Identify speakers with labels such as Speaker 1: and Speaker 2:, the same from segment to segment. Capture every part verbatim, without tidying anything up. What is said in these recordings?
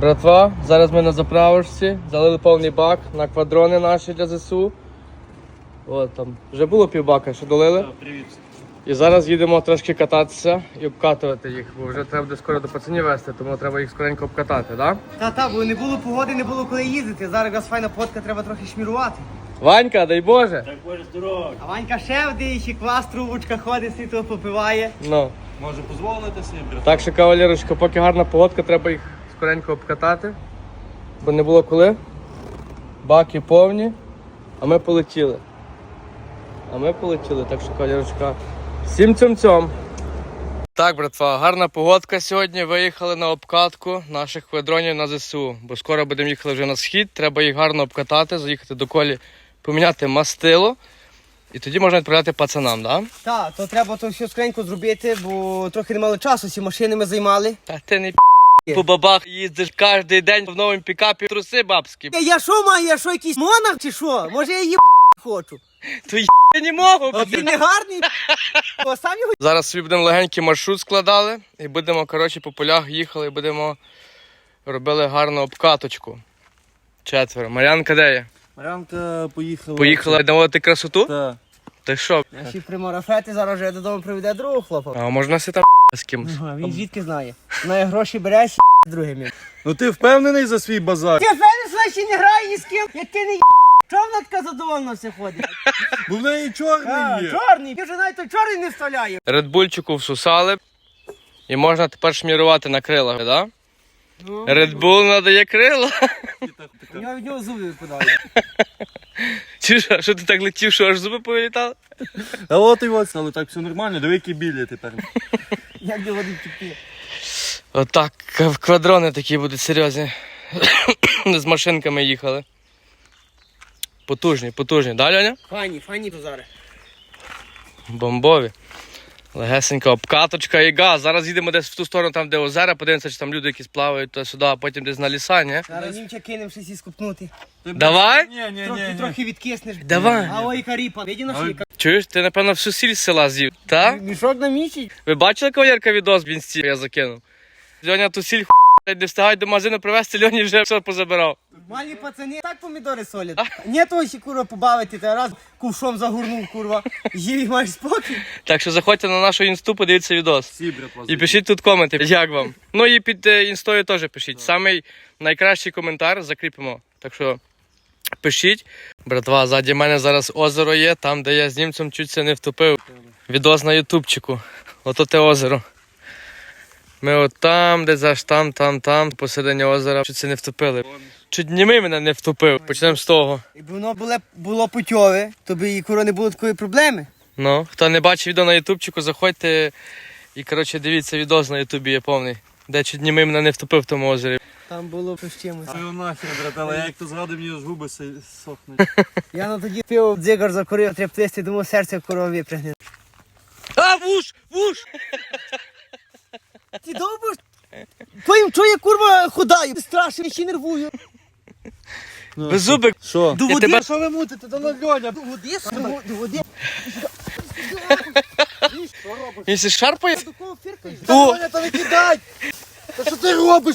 Speaker 1: Братва, зараз ми на заправочці, залили повний бак на квадрони наші для ЗСУ. От там, вже було півбака, що долили.
Speaker 2: Так, привіт.
Speaker 1: І зараз їдемо трошки кататися і обкатувати їх, бо вже треба буде скоро до пацанів вести, тому треба їх скоренько обкатати, так?
Speaker 3: Та-та, бо не було погоди, не було коли їздити. Зараз якраз файна погодка, треба трохи шмірувати.
Speaker 1: Ванька, дай Боже!
Speaker 2: Так, Боже, здорово.
Speaker 3: А Ванька ще вдиє, квас, трубочка ходить, світло попиває.
Speaker 1: Ну.
Speaker 2: Може дозволити собі, брат?
Speaker 1: Так що, кавалерочка, поки гарна погодка, треба їх скоренько обкатати, бо не було коли. Баки повні, а ми полетіли. А ми полетіли, так що, кавалерочка, всім цьом-цьом. Так, братва, гарна погодка сьогодні. Виїхали на обкатку наших квадронів на ЗСУ, бо скоро будемо їхати вже на схід, треба їх гарно обкатати, заїхати до колі, поміняти мастило. І тоді можна відправляти пацанам, так? Да?
Speaker 3: Так, то треба то все скренько зробити, бо трохи не мали часу, всі машини ми займали.
Speaker 1: Та ти не пі***, по бабах їздиш кожен день в новому пікапі, труси бабські.
Speaker 3: Я, я що маю, я що якийсь монах чи що? Може я її хочу?
Speaker 1: То я не можу.
Speaker 3: А він не гарний? О, сам його...
Speaker 1: Зараз собі будемо легенький маршрут складали і будемо, коротше, по полях їхали і будемо робили гарну обкаточку. Четверо. Мар'янка де є?
Speaker 2: Марянка поїхала.
Speaker 1: Поїхала наводити красоту?
Speaker 2: Так.
Speaker 1: Ти що?
Speaker 3: Наші примарафети зараз вже додому приведе другого хлопа.
Speaker 1: А можна си там з кимось?
Speaker 3: Ага, він звідки знає? Знає гроші бере, з другими.
Speaker 2: Ну ти впевнений за свій базар?
Speaker 3: Ти фенес ще не грає ні з ким, як ти не є. Чого вона така задоволена все ходить?
Speaker 2: Бо в неї чорний
Speaker 3: А,
Speaker 2: є.
Speaker 3: чорний, ти вже навіть той чорний не вставляє.
Speaker 1: Редбульчику всусали і можна тепер шмірувати на крилах, так? Да?
Speaker 3: Ну,
Speaker 1: Редбул надає крила.
Speaker 3: у нього від нього зуби випадають.
Speaker 1: Чи що, що ти так летів, що аж зуби повилітали?
Speaker 2: А от і ось, але так все нормально, диви, які білі тепер.
Speaker 3: Як де води тікти.
Speaker 1: Отак, в квадрони такі будуть серйозні. З машинками їхали. Потужні, потужні, да, Льоня?
Speaker 3: Фані, фані то зараз.
Speaker 1: Бомбові. Легесенька обкаточка і газ. Зараз їдемо десь в ту сторону, там де озера, подивимося, чи там люди якісь плавають туди-сюди, а потім десь на ліса, ні?
Speaker 3: Зараз німча кинемо щось і скупнути.
Speaker 1: Давай?
Speaker 2: Ні, ні,
Speaker 3: Трохи,
Speaker 2: ні, ні.
Speaker 3: трохи відкиснеш.
Speaker 1: Давай.
Speaker 3: А ой, каріпа. Виді на шийка.
Speaker 1: Чуєш, ти, напевно, всю сіль з села з'їв, так?
Speaker 3: Мішок на місяць.
Speaker 1: Ви бачили, кавалерка, відос в інсті я закинув? Льоня ту сіль ху**, не встигають до магазину привезти, Льоні вже все позабирав.
Speaker 3: Малі пацани так помідори солять. Ні того ще, курва, побавити, та раз кувшом загорнув, курва. Їв і маєш спокій.
Speaker 1: Так що заходьте на нашу інсту, подивіться відос.
Speaker 2: Всі, брат, вас.
Speaker 1: І пишіть тут коменти, як вам. Ну і під е, інстою теж пишіть. Самий найкращий коментар закріпимо. Так що пишіть. Братва, ззаді мене зараз озеро є, там де я з німцем чуть це не втопив. Відос на ютубчику. Ото те озеро. Ми от там, десь аж там, там, там, посередині озера, чуть це не втопили. Чуть німий мене не втопив. Почнемо з того.
Speaker 3: Якби воно було, було путьове, то би і куро не було такої проблеми.
Speaker 1: Ну, хто не бачив відео на ютубчику, заходьте і, коротше, дивіться відос на ютубі є повний. Де чуть німий мене не втопив в тому озері.
Speaker 3: Там було щось чимось.
Speaker 2: Ой, нахер, брат, але як то згадую, мені аж губи си- сохнуть.
Speaker 3: Я на тоді пив дзигар закурив, треба плести, думав, серце корова випрягне.
Speaker 1: А, вуш! Вуш!
Speaker 3: Ти довбиш? Твоїм, чого я, курва, ходаю? Страшно, я ще нервую.
Speaker 1: Беззубик!
Speaker 2: Що?
Speaker 3: До
Speaker 1: Я
Speaker 3: води,
Speaker 1: тебе-
Speaker 3: що ви мутите? До Льоня. До води, до, до води.
Speaker 1: Він се шарпає?
Speaker 3: До кого фіркаєш?
Speaker 1: О!
Speaker 3: Льоня, та не кидай! Та що ти робиш?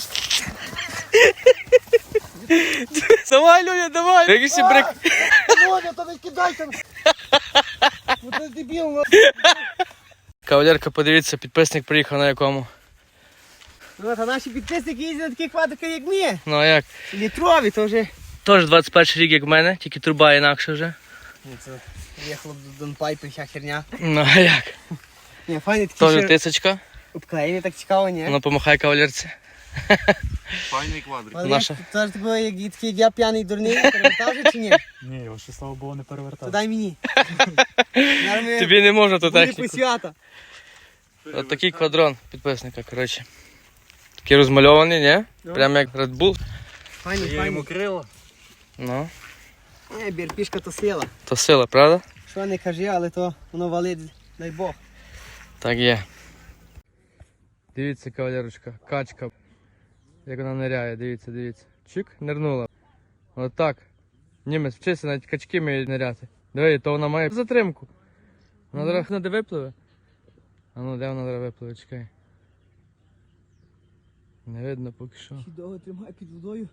Speaker 1: Давай, Льоня, давай! Якийсь брик.
Speaker 3: Льоня, та не кидай там! Ну ти дебіл,
Speaker 1: Кавалерка, подивіться, підписник приїхав на якому.
Speaker 3: ну. Та наші підписники їздять на таких квадриках, як ми.
Speaker 1: Ну а як?
Speaker 3: Літрові, то вже.
Speaker 1: Тож двадцять перший рік, як в мене, тільки труба інакше вже.
Speaker 3: Це їхало до Донпайпи, вся херня.
Speaker 1: Ну а як?
Speaker 3: Ні, файні такі
Speaker 1: Тоже
Speaker 3: ще
Speaker 1: тисячка.
Speaker 3: обклеєні, так цікаво, ні?
Speaker 1: Ну помахай кавалерці.
Speaker 2: Файний квадрик.
Speaker 3: Але
Speaker 1: наша.
Speaker 3: як, це ж такий, як, такий, як я п'яний дурний, перевертав же чи ні?
Speaker 4: Ні, його ще, слава Богу, не
Speaker 3: То
Speaker 4: перевертав.
Speaker 3: дай мені. Зараз ми
Speaker 1: Тобі не можна ту
Speaker 3: були
Speaker 1: техніку.
Speaker 3: посвята.
Speaker 1: От такий квадрон підписника, коротше. Такий розмальований, ні?
Speaker 3: Ну.
Speaker 1: Прямо як Red Bull.
Speaker 3: Файні,
Speaker 2: Я йому
Speaker 3: файні.
Speaker 2: крила.
Speaker 1: Ну,
Speaker 3: Е, бірпішка то сила.
Speaker 1: то сила, правда?
Speaker 3: Що не кажи, але то воно валить, дай Бог.
Speaker 1: Так є. Дивіться, кавалерочка, качка. Як вона ниряє, дивіться, дивіться. Чик, нирнула. От так. Німець вчиться навіть качки вміють ниряти. Диви, то вона має затримку. Вона зараз не де випливе. А ну де вона зараз випливе, чекай. Не видно поки що.
Speaker 3: Ще довго тримає під водою.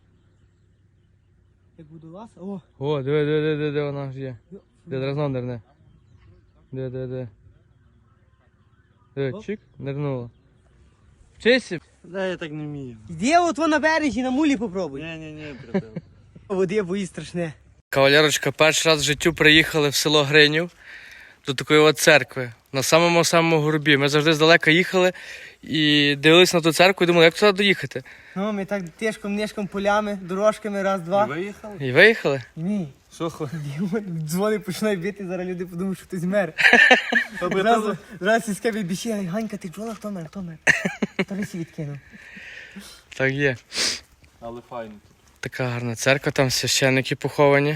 Speaker 3: Як водолаз. О!
Speaker 1: О, диви, диви, диви, диви, вона ж є.
Speaker 3: Йо.
Speaker 1: Де дразно нирне. Диви, диви, диви. Диви,
Speaker 3: Оп.
Speaker 1: чик, нирнула. Вчися.
Speaker 2: Да, я так не вмію.
Speaker 3: Іди от вон на березі, на мулі попробуй.
Speaker 2: Ні-ні-ні, брател.
Speaker 3: Води бої страшне.
Speaker 1: Кавалерочка, перший раз в життю приїхали в село Гринів до такої от церкви. На самому-самому горбі. Ми завжди здалека їхали і дивилися на ту церкву і думали, як туди доїхати.
Speaker 3: Ну, ми так тишком, нишком, полями, дорожками, раз, два.
Speaker 2: Виїхали?
Speaker 1: І виїхали.
Speaker 3: Ні.
Speaker 2: Що хо?
Speaker 3: Дзвони починає бити, зараз люди подумають, що хтось мер.
Speaker 2: Аби
Speaker 3: Зразу,
Speaker 2: тебе-
Speaker 3: зразу сільське бібіші, Ганька, ти чула, хто мер, хто мер? Хто лисі відкинув.
Speaker 1: Так є.
Speaker 2: Але файно.
Speaker 1: Така гарна церква, там священники поховані.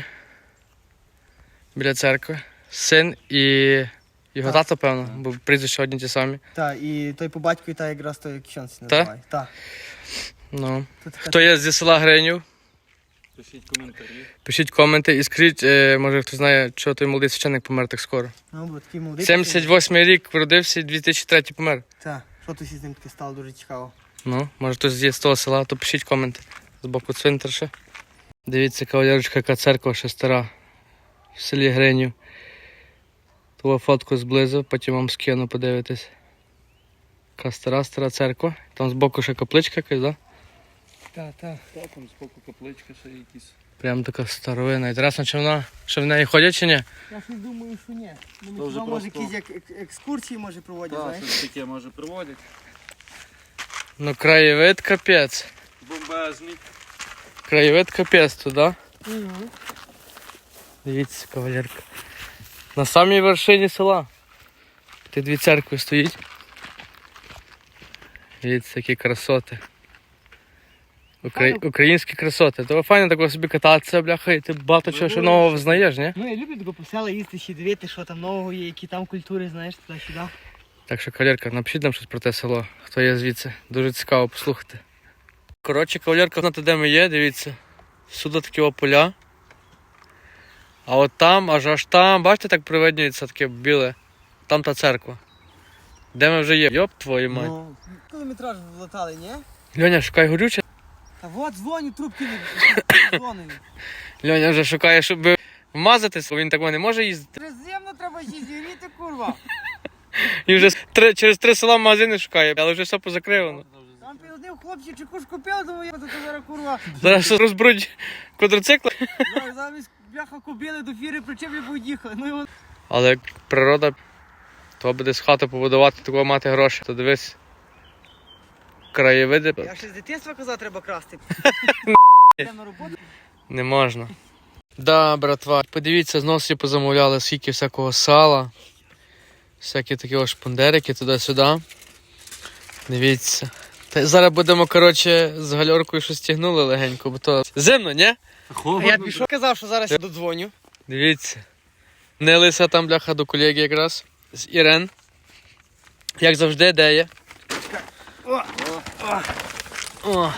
Speaker 1: Біля церкви. Син і його
Speaker 3: Так.
Speaker 1: тато, певно, бо прізвища одні ті самі.
Speaker 3: Так, і той по батькові, та якраз той кщонці називає. Так.
Speaker 1: Ну.
Speaker 3: Тут така-
Speaker 1: Хто є зі села Гринів,
Speaker 2: Пишіть коментарі.
Speaker 1: пишіть коменти і скажіть, е, може хтось знає, чого той молодий священник помер так скоро.
Speaker 3: Ну, бо такий молодий.
Speaker 1: сімдесят восьмий рік народився, дві тисячі третій помер.
Speaker 3: Так, що тут із ним таке стало дуже цікаво.
Speaker 1: Ну, може хтось є з того села, то пишіть коменти. З боку цвинтарша. Дивіться, кавалерочка, яка церква ще стара в селі Гринів. Ту фотку зблизу, потім вам скину, подивитись. Така стара, стара церква. Там збоку ще капличка якась, да?
Speaker 3: Так, так.
Speaker 2: Та там споку капличка ще якісь.
Speaker 1: Прям така старовина. Інтересно, чи вона, що в неї ходять чи ні?
Speaker 3: Я щось думаю, що ні. Ну,
Speaker 2: То вже
Speaker 3: хіба, може,
Speaker 2: просто-
Speaker 3: якісь як ек- екскурсії, може, проводять,
Speaker 2: Так,
Speaker 3: знаєш?
Speaker 2: щось таке може проводять.
Speaker 1: Ну, краєвид капець.
Speaker 2: Бомбезний.
Speaker 1: Краєвид капець туди.
Speaker 3: Угу.
Speaker 1: Дивіться, кавалерка. На самій вершині села. Ті дві церкви стоїть. Дивіться, які красоти. Украї... Українські красоти. То файно так собі кататися, бляха, і ти багато чого ще нового взнаєш, ні?
Speaker 3: Ну, я люблю тако по села їсти, ще дивити, що там нового є, які там культури, знаєш, туди-сюди.
Speaker 1: Так що, кавалерка, напишіть нам щось про те село, хто є звідси. Дуже цікаво послухати. Коротше, кавалерка, знаєте, де ми є, дивіться. Сюди такі о поля. А от там, аж аж там, бачите, так привиднюється таке біле. Там та церква. Де ми вже є? Йоп твою мать.
Speaker 3: Ну. Кілометраж влатали, ні?
Speaker 1: Льоня, шукай горюче.
Speaker 3: Та от дзвоню, трубки не дзвоню.
Speaker 1: Льоня вже шукає, щоб вмазатись, бо він так не може їздити.
Speaker 3: Приземно треба ще зігріти, курва.
Speaker 1: І вже три, через три села магазини шукає, але вже все позакривано.
Speaker 3: Там підходив хлопці, чеку ж купив, думаю, я тут зараз, курва.
Speaker 1: Зараз що розбрудь квадроцикли.
Speaker 3: Зараз Замість бляха кобили до фіри причеплі будуть їхали. Ну його.
Speaker 1: Але як природа, то буде з хати побудувати, такого мати гроші. То дивись, краєвиди
Speaker 3: Я ще з дитинства казав, треба красти. Йдемо на роботу.
Speaker 1: не можна. Да, братва, подивіться, знову собі позамовляли скільки всякого сала, всякі такі ось шпундерики туди-сюди. Дивіться. Та зараз будемо, коротше, з гальоркою щось тягнули легенько, бо то зимно, ні?
Speaker 3: А я пішов, казав, що зараз я додзвоню.
Speaker 1: Дивіться. Нелися там, бляха, до колеги якраз. З Ірен. Як завжди, де є?
Speaker 3: О,
Speaker 1: О.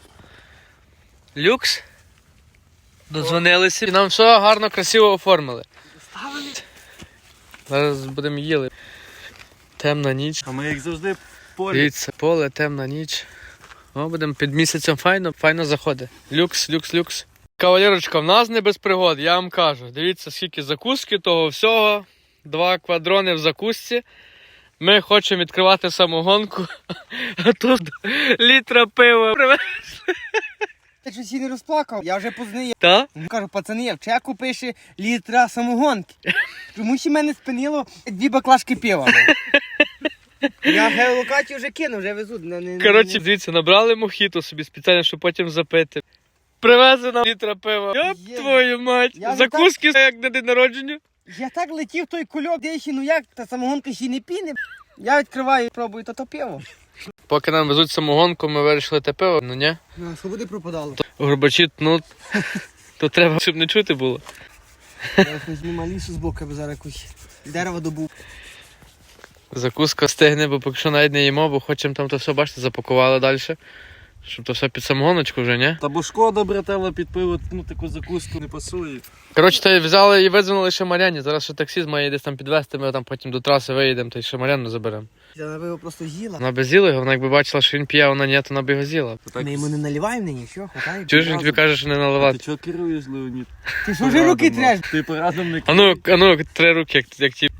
Speaker 1: Люкс. Додзвонилися. І нам все гарно, красиво оформили.
Speaker 3: ставили.
Speaker 1: Зараз будемо їли. Темна ніч.
Speaker 2: А ми як завжди в полі.
Speaker 1: Дивіться, поле, темна ніч. О, будемо під місяцем файно, файно заходить. Люкс, люкс, люкс. Кавалерочка, в нас не без пригод, я вам кажу. Дивіться, скільки закуски, того всього. Два квадрони в закусці. Ми хочемо відкривати самогонку, а тут літра пива.
Speaker 3: Ти щось і не розплакав, я вже познаю.
Speaker 1: Та?
Speaker 3: Кажу, пацани, в чеку пише літра самогонки. Чому ще мене спинило дві баклажки пива. Я геолокацію вже кинув, вже везуть. Не, не,
Speaker 1: Коротше,
Speaker 3: не-
Speaker 1: дивіться, набрали мохіто собі спеціально, щоб потім запити. Привезли нам літра пива. Йоп
Speaker 3: Є.
Speaker 1: твою мать.
Speaker 3: Я вже
Speaker 1: Закуски, як на день народження.
Speaker 3: Я так летів той кульок, де ще, ну як, та самогонка ще не піне. Я відкриваю і пробую то то пиво.
Speaker 1: Поки нам везуть самогонку, ми вирішили те пиво. Ну ні.
Speaker 3: Ну, свободи пропадало.
Speaker 1: Горбачі, ну, то треба, щоб не чути було.
Speaker 3: Я візьму малішу з боку, аби зараз якусь дерево добув.
Speaker 1: Закуска стигне, бо поки що навіть не їмо, бо хочемо там то все, бачите, запакували далі. Щоб то все під самогоночку вже, ні?
Speaker 2: Та бо шкода, братела, під пиво, ну таку закуску не пасує.
Speaker 1: Коротше, то й взяли і видзвонили ще Мар'яні. Зараз ще таксіст має десь там підвезти, ми там потім до траси виїдемо, та й ще Мар'яну заберемо.
Speaker 3: Вона би його просто з'їла.
Speaker 1: Вона би з'їла його, вона якби бачила, що він п'є, а вона ні, то вона би його з'їла.
Speaker 3: Ми йому не наливаємо нині, що, хватає.
Speaker 1: Чуєш, він тобі каже, що не
Speaker 2: Ти
Speaker 1: наливати.
Speaker 2: чого керуєш, Леонід?
Speaker 3: Ти що ж руки треш?
Speaker 2: Ти порадом не
Speaker 1: А ну, а ну, три руки, як, як ті.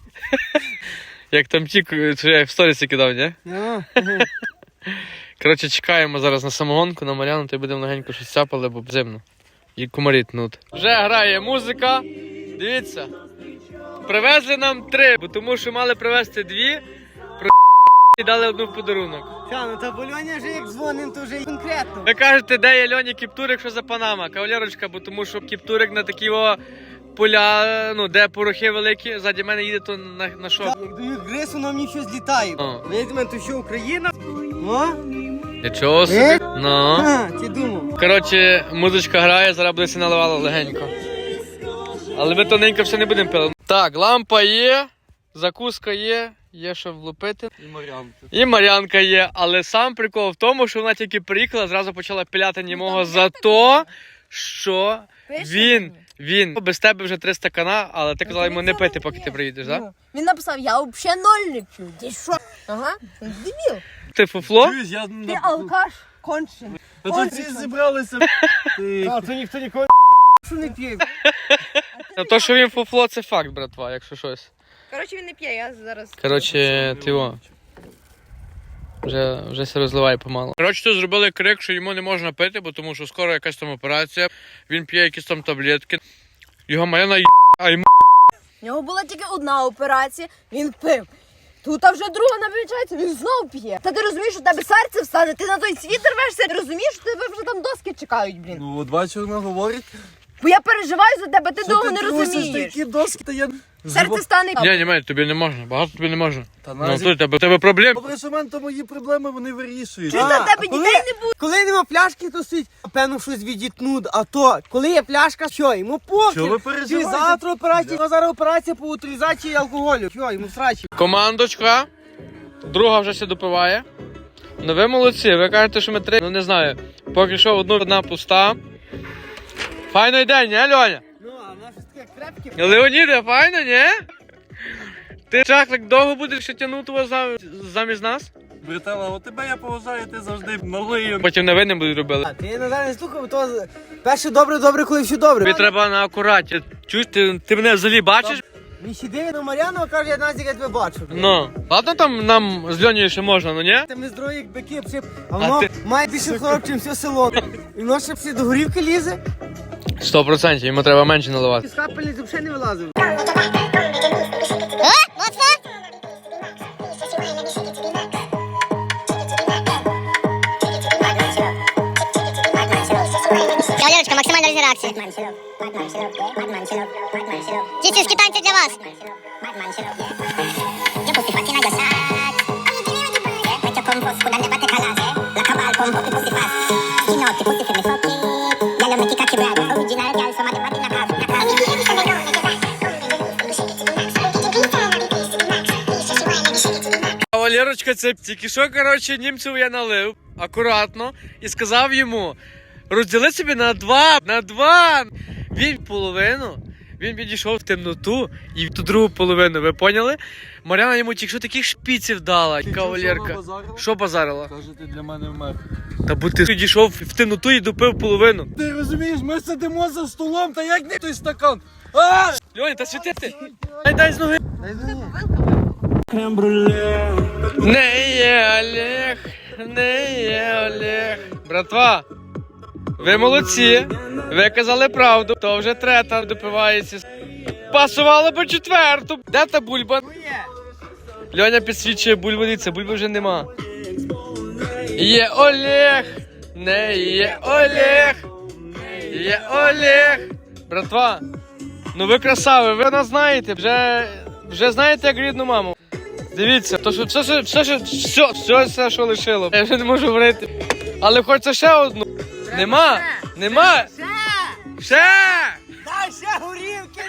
Speaker 1: Як там ті, що я в сторісі кидав, ні?
Speaker 3: Ну,
Speaker 1: Коротше, чекаємо зараз на самогонку, на Мар'яну, то й будемо легенько щось цяпали, бо зимно. І комарі тнуть. Вже грає музика. Дивіться. Привезли нам три, бо тому що мали привезти дві, про і дали одну в подарунок.
Speaker 3: Та, ну та бо Льоня вже як дзвоним, то вже конкретно.
Speaker 1: Ви кажете, де є Льоні Кіптурик, що за Панама? Кавалерочка, бо тому що Кіптурик на такі о поля, ну, де порохи великі, ззаді мене їде, то на, на що?
Speaker 3: Як дають грис, воно мені щось літає.
Speaker 1: О.
Speaker 3: Видимо, то що Україна? О,
Speaker 1: Нічого собі.
Speaker 3: Е?
Speaker 1: Ну.
Speaker 3: ха, ти думав.
Speaker 1: Коротше, музичка грає, зараз буде все наливало легенько. Але ми тоненько все не будемо пили. Так, лампа є, закуска є, є що влупити.
Speaker 2: і Мар'янка.
Speaker 1: І Мар'янка є, але сам прикол в тому, що вона тільки приїхала, зразу почала пиляти німого за то, що він, він без тебе вже три стакана, але ти казала йому не пити, поки ти приїдеш, так?
Speaker 4: Він написав, я взагалі ноль не п'ю. Ти що? Ага, дебіл.
Speaker 1: Ти фуфло?
Speaker 2: Чуєш, я...
Speaker 4: Ти алкаш кончений.
Speaker 2: Та тут всі зібралися. Ти...
Speaker 3: А, то ніхто ніколи що не п'є.
Speaker 1: А то, що він фуфло, це факт, братва, якщо щось.
Speaker 4: Коротше, він не п'є, я зараз...
Speaker 1: Коротше, ти о. Вже, вже се розливає помалу. Коротше, тут зробили крик, що йому не можна пити, бо тому що скоро якась там операція. Він п'є якісь там таблетки. Його Мар'яна є, а йому...
Speaker 4: У нього була тільки одна операція, він пив. Тут а вже друга намічається, він знов п'є. Та ти розумієш, що в тебе серце встане, ти на той світ рвешся, ти розумієш, що тебе вже там доски чекають, блін.
Speaker 2: Ну, от бачиш, вона говорить.
Speaker 4: Бо я переживаю за тебе, ти
Speaker 2: Що
Speaker 4: довго
Speaker 2: ти
Speaker 4: не
Speaker 2: трусиш
Speaker 4: розумієш.
Speaker 2: такі доски, та я...
Speaker 4: Серце стане...
Speaker 1: Ні, ні, Мель, тобі не можна, багато тобі не можна.
Speaker 2: Та
Speaker 1: Ну,
Speaker 2: назі...
Speaker 1: тут тебе, тебе проблем.
Speaker 2: Добре, що в мене то мої проблеми, вони вирішують.
Speaker 4: Чуєш,
Speaker 3: А,
Speaker 4: на тебе
Speaker 3: а коли-
Speaker 4: дітей не буде.
Speaker 3: Коли нема пляшки, то стоїть, певно, щось відітнуть, а то, коли є пляшка, що, йому похер.
Speaker 2: Що ви
Speaker 3: Чи
Speaker 2: переживаєте?
Speaker 3: завтра операція, а зараз операція по утилізації алкоголю. Що, йому срачі.
Speaker 1: Командочка. Друга вже все допиває. Ну ви молодці, ви кажете, що ми три. Ну не знаю. Поки що одну одна пуста. Файний день, не, Льоня?
Speaker 3: Ну, а вона щось таке крепке.
Speaker 1: Леоніде, файно, ні? Ти чахлик довго будеш ще тягнути вас за- замість нас?
Speaker 2: Братела, от тебе я поважаю, ти завжди малий.
Speaker 1: Потім невинним будуть робили.
Speaker 3: А ти Назар не слухав, то з- перше добре-добре, коли все добре.
Speaker 1: Тобі треба на акураті. Чуєш, ти, ти мене взагалі бачиш?
Speaker 3: Він ще дивить на Мар'яну, а каже, я Назік, я тебе бачу.
Speaker 1: Ну. Ладно там нам з Льонією ще можна, ну ні?
Speaker 3: Там не здорові, як бики, пшип, а воно
Speaker 1: ти-
Speaker 3: має більше хлорок, чим все село. І воно ще всі до горівки лізе.
Speaker 1: Сто процентів, йому треба менше наливати.
Speaker 3: З капельниць взагалі не вилазив.
Speaker 5: Кавалерочка, максимальна реакція. Дітівські танці для вас.
Speaker 1: Валерочка, це тільки що, коротше, німцю я налив акуратно і сказав йому розділи собі на два, на два. Він половину, він підійшов в темноту і в ту другу половину, ви поняли? Мар'яна йому тільки що таких шпіців дала, кавалерка. Що базарила?
Speaker 2: Каже, ти для мене вмер.
Speaker 1: Та бо ти підійшов в темноту і допив половину.
Speaker 2: Ти розумієш, ми сидимо за столом, та як не той стакан? А!
Speaker 1: Льоня, та світити. Дай, дай з ноги.
Speaker 3: Дай мені.
Speaker 1: Не є Олег, не є Олег. Братва, ви молодці. Ви казали правду. То вже трета допивається. Пасувало би четверту. Де та бульба? Льоня підсвічує бульбу, дивіться, бульби вже нема. Є Олег, не є Олег, є Олег. Братва, ну ви красаві, ви нас знаєте, вже, вже знаєте як рідну маму. Дивіться, то що все, все, все, все, все, все, все, що лишило. Я вже не можу говорити. Але хочеться ще одну. Нема, нема.
Speaker 4: Ще!
Speaker 1: Ще!
Speaker 3: Дай ще горі!